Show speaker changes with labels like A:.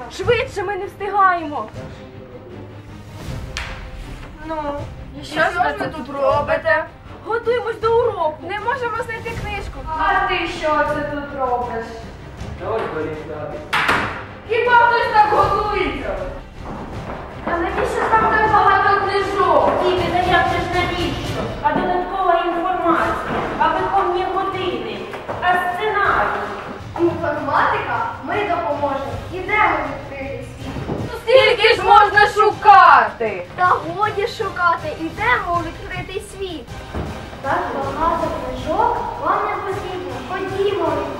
A: Швидше, ми не встигаємо.
B: Ну, і що ж ви тут робите?
A: Готуємось до уроку.
B: Не можемо знайти книжку.
C: А ти що це тут робиш?
B: Хіба хтось так готується?
C: А навіщо там так багато книжок? Діти, та як же ж навіщо? А додаткова інформація, а виховні години, а сценарій.
D: Інформатика? Ми допоможемо. Ідемо відкрити світ.
B: Скільки ж можна шукати?
D: Та годі шукати. Ідемо у відкритий світ. Так багато книжок вам не потрібно. Ходімо.